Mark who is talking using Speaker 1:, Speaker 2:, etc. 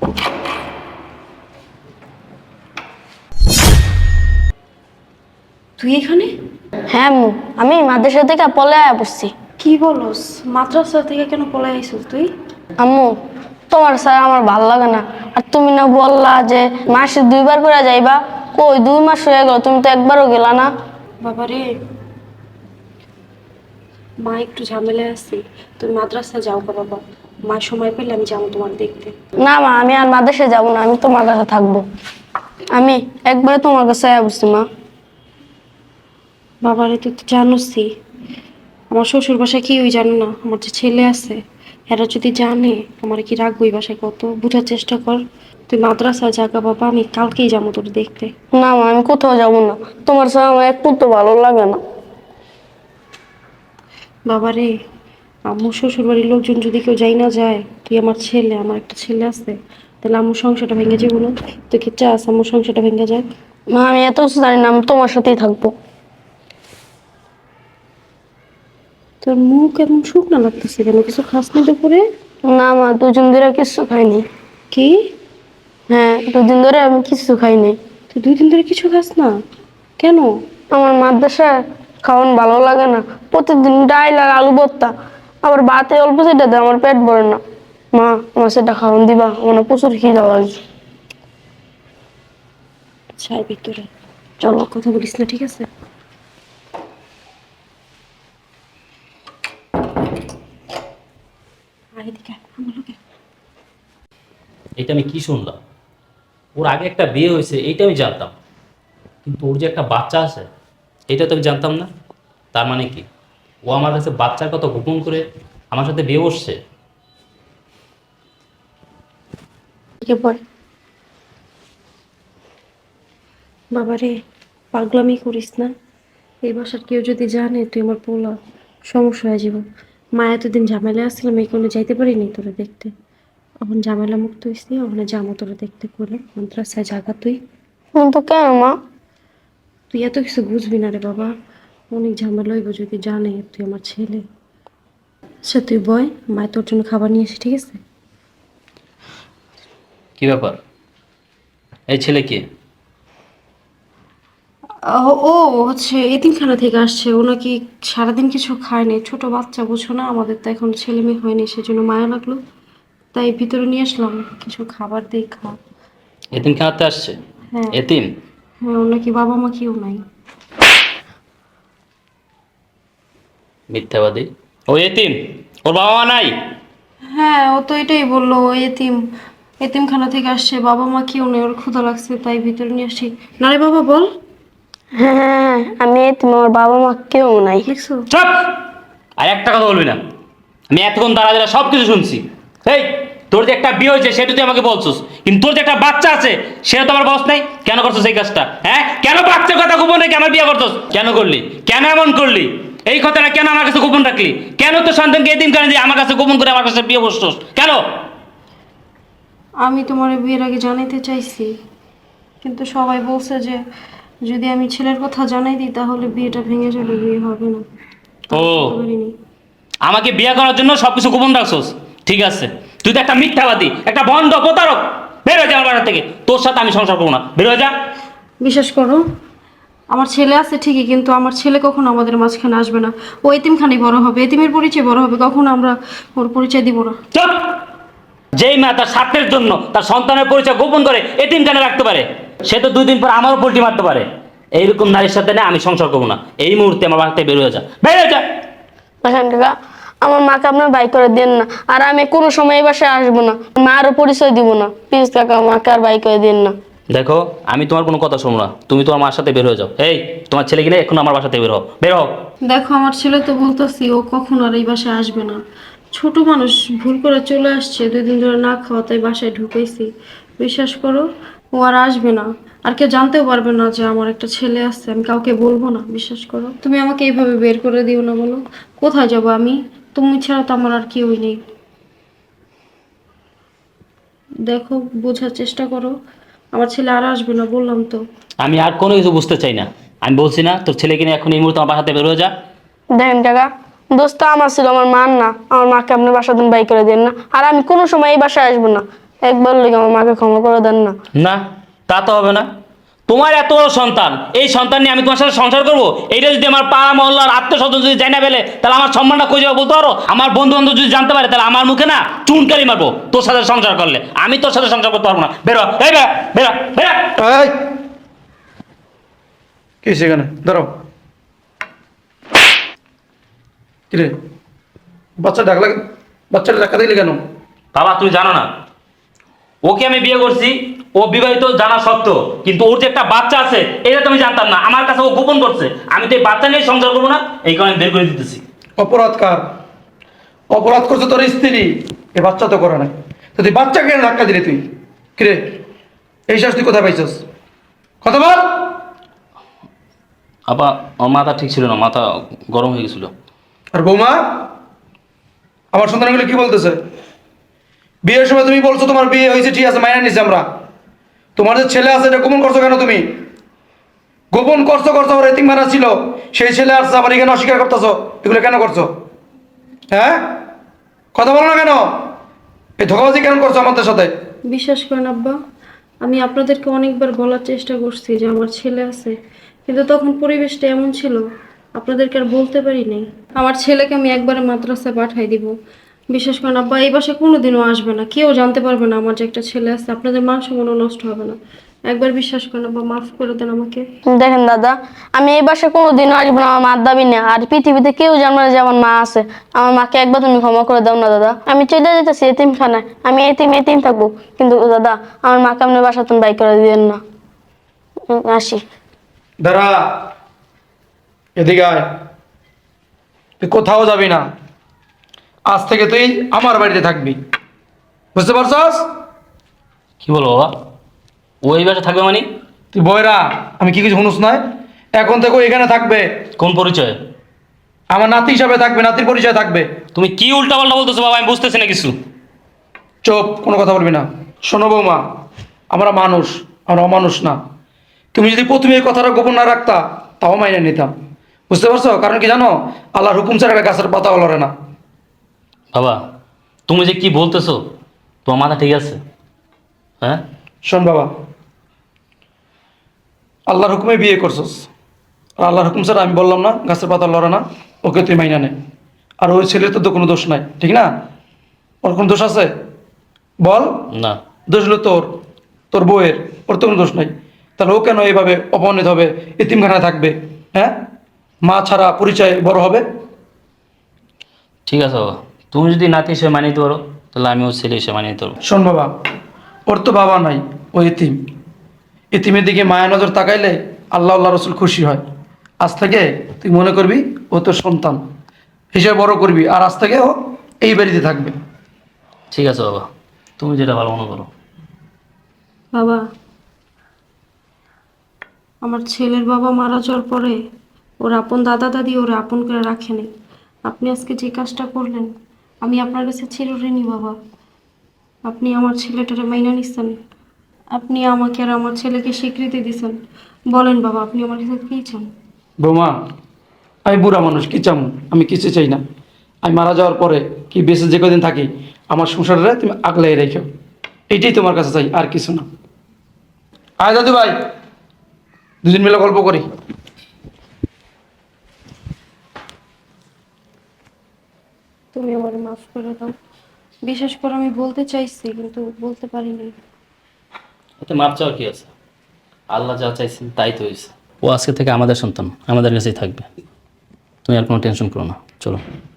Speaker 1: তুই এখানে?
Speaker 2: হ্যাঁ আম্মু, আমি মাদ্রাসা থেকে পলায়া পড়ছি।
Speaker 1: কি বলস? মাদ্রাসা থেকে কেন পলাই আইছিস তুই?
Speaker 2: আম্মু, তোমার স্যার আমার ভাল লাগে না। আর তুমি না বললা যে মাসে 2বার করে যাইবা, কই 2 মাস হয়ে গেল, তুমি তো একবারও গেলা না।
Speaker 1: বাবারে, মা একটু ঝামেলায় আছি, তুমি মাদ্রাসা যাও গো বাবা। মা সময় পেলে আমি যাবো তোমার দেখতে।
Speaker 2: না মা, আমি আর মাদ্রাসায় যাবো না, আমি তোমার কাছে থাকবো। আমি একবারে তোমার কাছে আয়া বসছি মা।
Speaker 1: বাবারে, তুই তো জানোসই আমার শ্বশুর বাসায় কেউই জানে না আমার যে ছেলে আছে। এরা যদি জানে আমার কি রাখবো এই বাসায়, কত বোঝার চেষ্টা কর। তুই মাদ্রাসা জাগা বাবা, আমি কালকেই যাবো তোর দেখতে।
Speaker 2: না মা, আমি কোথাও যাবো না, তোমার স্যার আমার একটু তো ভালো লাগে না।
Speaker 1: বাবারে, আম্মু শ্বশুর বাড়ির লোকজন যদি কেউ যাই না যায়, তুই আমার ছেলে, আমার একটা ছেলে আছে, তাহলে আম্মুর সংসারটা ভেঙে যাবো না? তুই কি চাস আম্মুর সংসারটা ভেঙে যাক?
Speaker 2: মা আমি এত কিছু জানি না, আমি তোমার সাথেই থাকবো।
Speaker 1: তোর মুখ এমন শুকনা লাগতেছে কেন? কিছু খাস না দুপুরে?
Speaker 2: না মা, 2 দিন ধরে কিছু খাইনি।
Speaker 1: কি?
Speaker 2: হ্যাঁ, 2 দিন ধরে আমি কিছু খাইনি।
Speaker 1: তুই 2 দিন ধরে কিছু খাস না কেন?
Speaker 2: আমার মাদ্রাসায় খাওয়ান ভালো লাগে না, প্রতিদিন ডাইল আর আলু ভর্তা, আবার ভাতে অল্প সেটা দেয়, আমার পেট ভরে না। মা, আমার সেটা খাওয়ান দিবা, আমার প্রচুর খিদা লাগছে।
Speaker 1: ছাই ভিতরে চলো, কথা বলিস না, ঠিক আছে? আয় এদিকে আয়, আমার লোকে।
Speaker 3: এটা আমি কি শুনলাম? ওর আগে একটা বিয়ে হয়েছে এইটা আমি জানতাম, কিন্তু ওর যে একটা বাচ্চা আছে এটা তো আমি জানতাম না। তার মানে কি ও আমার কাছে বাচ্চার কথা গোপন করে আমার সাথে বিয়ে বসছে?
Speaker 2: এদিকে পড়ে।
Speaker 1: বাবারে, পাগলামি করিস না। এই বাসার কেউ যদি জানে তুই আমার পোলা, সমস্যা হয়ে যাব। মা এতদিন ঝামেলা আসছিলাম, এই কোনো যাইতে পারিনি তোরা দেখতে। এখন ঝামেলা মুক্ত হয়েছি, ওখানে যাবো তোরা দেখতে করে। মাদ্রাসায় জাগা তুই।
Speaker 2: তো কেন মা?
Speaker 1: তুই এত কিছু বুঝবি না রে বাবা, অনেক ঝামেলা হইব যদি জানে তুই আমার ছেলে। সে তুই বয়, মায় তোর জন্য খাবার নিয়ে আসি, ঠিক আছে?
Speaker 3: কি ব্যাপার? এই ছেলে কে?
Speaker 1: ও হচ্ছে এতিমখানা থেকে আসছে। ও নাকি সারাদিন কিছু খায়নি, ছোট বাচ্চা বুঝো না, আমাদের তো এখন ছেলে মেয়ে হয়নি, সেজন্য মায়া লাগলো, তাই ভিতরে নিয়ে আসলাম, কিছু খাবার দিয়ে খা।
Speaker 3: এতিম খানাতে আসছে?
Speaker 1: হ্যাঁ।
Speaker 3: এতিম?
Speaker 1: হ্যাঁ, ওর নাকি বাবা মা কেউ নাই।
Speaker 3: মিথ্যাবাদী। ও এতিম? ওর বাবা মা নাই?
Speaker 1: হ্যাঁ, ও তো এটাই বললো, ও এতিম, এতিমখানা থেকে আসছে, বাবা মা কেউ নেই, ওর ক্ষুধা লাগছে তাই ভিতরে নিয়ে আসি। না রে বাবা, বল।
Speaker 2: হ্যাঁ হ্যাঁ হ্যাঁ, আমি তোমার বাবা মা কেউ নাই।
Speaker 1: দেখছো?
Speaker 3: চুপ! আর একটা কথা বলবি না। আমি এতক্ষণ দাঁড়া দাঁড়া সব কিছু শুনছি। এই, তোর যে একটা বিয়ে হয়েছে সেটা তুই আমাকে বলছিস, কিন্তু তোর যে একটা বাচ্চা আছে সেটা তো আমার বস নাই। কেন করছিস এই কাজটা? হ্যাঁ, কেন বাচ্চার কথা গোপন রেখে আমার বিয়ে করছিস? কেন করলি? কেন এমন করলি? এই কথাটা কেন আমার কাছে গোপন রাখলি? কেন তোর সন্তানকে এতিম করে দিয়ে আমার কাছে গোপন করে আমার কাছে বিয়ে বসছিস কেন?
Speaker 1: আমি তোমার বিয়ের আগে জানাইতে চাইছি, কিন্তু সবাই বলছে যে যদি আমি ছেলের কথা জানাই দিই তাহলে বিয়েটা ভেঙে যাবে, বিয়ে হবে না।
Speaker 3: ও,
Speaker 1: বলতে পারিনি।
Speaker 3: আমাকে বিয়ে করার জন্য সবকিছু গোপন রাখছস? ঠিক আছে, তুই তো একটা মিথ্যাবাদী, একটা ভণ্ড প্রতারক। বের হয়ে যা আমার বাড়ি থেকে, তোর সাথে আমি সংসার করবো না, বের হয়ে যা।
Speaker 1: বিশ্বাস করো, আমার ছেলে আছে ঠিকই, কিন্তু আমার ছেলে কখনো আমাদের মাঝখানে আসবে না। ও এতিমখানি বড় হবে, এতিমের পরিচয় বড় হবে, কখনো আমরা ওর পরিচয় দিব না।
Speaker 3: চুপ! যেই মা তার স্বার্থের জন্য তার সন্তানের পরিচয় গোপন করে এতিমখানে রাখতে পারে, সে তো 2 দিন পর আমারও পোল্টি মারতে পারে। এইরকম নারীর সাথে না আমি সংসার করবো না। এই মুহূর্তে আমার বাড়িতে বের হয়ে যা, বের হয়ে যা।
Speaker 2: বাসান কাকা, আমার মাকে আপনার বাই করে দেন না, আর আমি কোনো সময় এই বাসায় আসবো না, মারও পরিচয় দিব না। প্লিজ কাকা, মাকে আর বাই করে দেন না।
Speaker 3: দেখো, আমি তোমার কোনো কথা শুনবো না, তুমি তোমার মার সাথে বের হয়ে যাও। এই, তোমার ছেলে কিনে এখন আমার বাসাতে বের হও, বের হও।
Speaker 1: দেখো, আমার ছেলে তো বলতেছি ও কখনো আর এই বাসায় আসবে না। ছোট মানুষ, ভুল করে চলে আসছে, 2 দিন ধরে না খাওয়া, তাই বাসায় ঢুকেছি। বিশ্বাস করো, ও আর আসবে না। আর কেউ জানতেও পারবে না যে আমার একটা ছেলে আছে, আমি কাউকে বলবো না। বিশ্বাস করো, তুমি আমাকে এইভাবে বের করে দিও না। বলো, কোথায় যাব আমি? তুমি ছাড়া তো আমার আর কেউই নেই। দেখো, বোঝার চেষ্টা করো, আমার ছেলে আর আসবে না, বললাম তো।
Speaker 3: আমি আর কোনো কিছু বুঝতে চাই না। আমি বলছি না তোর ছেলে কিনে এখন এই মুহূর্তে আমার বাসাতে বের হয়ে যা।
Speaker 2: দেখেন কাকা, দোস্ত আমার ছিল, আমার মান না, আমার মাকে আপনার বাসা দিন বাই করে দেন না, আর আমি কোনো সময় এই বাসায় আসবো না। একবার লেগে আমার মাকে ক্ষমা করে দেন না।
Speaker 3: না, তা তো হবে না। তোমার এত বড় সন্তান, এই সন্তান নিয়ে আমি তোমার সাথে সংসার করবো? এইটা যদি আমার পাড়া মহল্লার আত্মীয়স্বজন যদি জানা ফেলে, তাহলে আমার সম্মানটা কই যাবে বলতে পারো? আমার বন্ধু বান্ধব যদি জানতে পারে, তাহলে আমার মুখে না চুনকারি মারবো তোর সাথে সংসার করলে। আমি তোর সাথে সংসার করতে পারবো না। বেরো, এই বেরা বেরা বেরা।
Speaker 4: এই কি সেখানে দাঁড়াও। কিরে বাচ্চাটা ডাকা দিলি কেন?
Speaker 3: বাবা তুমি জানো না, ওকে আমি বিয়ে করছি, ও বিবাহিত জানা সত্ত্বেও, কিন্তু ওর যে একটা বাচ্চা আছে এটা তো আমি জানতাম না। আমার কাছে ও গোপন করছে। আমি তো এই বাচ্চা নিয়ে সংসার করবো না, এই কারণে বের করে দিতেছি।
Speaker 4: অপরাধ কার? অপরাধ করছে তোর স্ত্রী, এ বাচ্চা তো করে না। তো তুই বাচ্চাকে কেন ধাক্কা দিলি তুই? কিরে এই শাস্তি কোথায় পাইছস? কথা বল।
Speaker 3: আপা আমার মাথা ঠিক ছিল না, মাথা গরম হয়ে গেছিল।
Speaker 4: আর বৌমা আমার সন্তানগুলো কি বলতেছে? বিয়ের সময় তুমি বলছো তোমার বিয়ে হয়েছে, ঠিক আছে, মাইনা নিছি আমরা। তোমার যে ছেলে আছে এটা গোপন করছো কেন তুমি? গোপন করছো আমার এতিম মারা ছিল, সেই ছেলে আসছে আবার এখানে অস্বীকার করতেছো। এগুলো কেন করছো? হ্যাঁ, কথা বলো না কেন? এই ধোকাবাজি কেন করছো আমাদের সাথে?
Speaker 1: বিশ্বাস করেন আব্বা, আমি আপনাদেরকে অনেকবার বলার চেষ্টা করছি যে আমার ছেলে আছে, কিন্তু তখন পরিবেশটা এমন ছিল আপনাদেরকে আর বলতে পারি নাই। আমার ছেলেকে আমি একবারে মাদ্রাসায় পাঠাই দিব। বিশ্বাস করেন আব্বা, এই বাসায় কোনোদিনও আসবে না, কেউ জানতে পারবে না আমার যে একটা ছেলে আছে। আপনাদের মান সম্মানও নষ্ট হবে না। একবার বিশ্বাস করেন আব্বা, মাফ করে দেন আমাকে।
Speaker 2: দেখেন দাদা, আমি এই বাসায় কোনোদিনও আসবো না, আমার মার দাবি না। আর পৃথিবীতে কেউ জানবে না যে আমার মা আছে। আমার মাকে একবার তুমি ক্ষমা করে দাও না দাদা। আমি চলে যেতেছি এতিমখানায়, আমি এতিম থাকবো, কিন্তু দাদা আমার মাকে আপনি বাসা তুমি বাই করে দিবেন না। আসি।
Speaker 4: দাঁড়া, এদিকে আয়। তুই কোথাও যাবি না, আজ থেকে তুই আমার বাড়িতে থাকবি, বুঝতে পারছস?
Speaker 3: কি বলো বাবা, ও এই বাসা থাকবে মানে?
Speaker 4: তুই বয়রা, আমি কি কিছু শুনুস নয়? এখন থেকে ও এখানে থাকবে,
Speaker 3: কোন পরিচয়?
Speaker 4: আমার নাতি হিসাবে থাকবে, নাতির পরিচয় থাকবে।
Speaker 3: তুমি কি উল্টা পাল্টা বলতেছো বাবা, আমি বুঝতেছি না কিছু।
Speaker 4: চুপ, কোনো কথা বলবি না। শোনো বৌমা, আমরা মানুষ, আমরা অমানুষ না। তুমি যদি প্রথমে এই কথাটা গোপন না রাখতা, তাও মাইনে নিতাম, বুঝতে পারছো? কারণ কি জানো, আল্লাহর হুকুম ছাড়া একটা গাছের পাতাও লড়ে না।
Speaker 3: বাবা তুমি যে কি বলতেছো, তোমার মাথা ঠিক আছে? হ্যাঁ,
Speaker 4: শোন বাবা, আল্লাহর হুকুমে বিয়ে করছস, আর আল্লাহর হুকুম ছাড়া আমি বললাম না গাছের পাতা লড়ে না, ওকে তুই মাইনা নে। আর ওই ছেলের তো কোনো দোষ নাই, ঠিক না? ওর কোনো দোষ আছে? বল।
Speaker 3: না।
Speaker 4: দোষ হলো তোর, তোর বউয়ের, ওর তো কোনো দোষ নাই। তাহলে ও কেন এইভাবে অপমানিত হবে, এতিমখানায় থাকবে? হ্যাঁ, মা ছাড়া পরিচয় বড় হবে?
Speaker 3: ঠিক আছে বাবা, তুমি যদি নাতি হিসেবে মানিয়ে নিতে পারো, তাহলে আমি ওর ছেলে হিসেবে মানিয়ে নিতে পারবো।
Speaker 4: শোন বাবা, ওর তো বাবা নাই, ও এতিম। এতিমের দিকে মায়া নজর তাকাইলে আল্লাহ রসুল খুশি হয়। আজ থেকে তুই মনে করবি ও তোর সন্তান হিসেবে বড় করবি, আর আজ থেকে ও এই বাড়িতে থাকবে।
Speaker 3: ঠিক আছে বাবা, তুমি যেটা ভালো মনে করো।
Speaker 1: বাবা, আমার ছেলের বাবা মারা যাওয়ার পরে ওর আপন দাদা দাদি ওরা আপন করে রাখেনি। আপনি আজকে যে কাজটা করলেন, আমি আপনার কাছে চিরঋণী বাবা। আপনি আমার ছেলেটারে মাইনা নিচ্ছেন, আপনি আমাকে আর আমার ছেলেকে স্বীকৃতি দিচ্ছেন। বলেন বাবা, আপনি আমার কাছে কী চান?
Speaker 4: বৌমা, আমি বুড়া মানুষ, কি চাম? আমি কিছু চাই না। আমি মারা যাওয়ার পরে কি বেঁচে যে কদিন থাকি, আমার সংসারে তুমি আগলাই রেখো, এইটাই তোমার কাছে চাই, আর কিছু না। আয় দাদু ভাই, দুদিন মিলে গল্প করি।
Speaker 1: তুমি আমার মাফ করে দাও। বিশেষ করে আমি বলতে চাইছি, কিন্তু বলতে পারিনি।
Speaker 3: এতে মাপ চাওয়ার কি আছে? আল্লাহ যা চাইছেন তাই তো হয়েছে। ও আজকে থেকে আমাদের সন্তান, আমাদের কাছেই থাকবে। তুমি আর কোনো টেনশন করো না, চলো।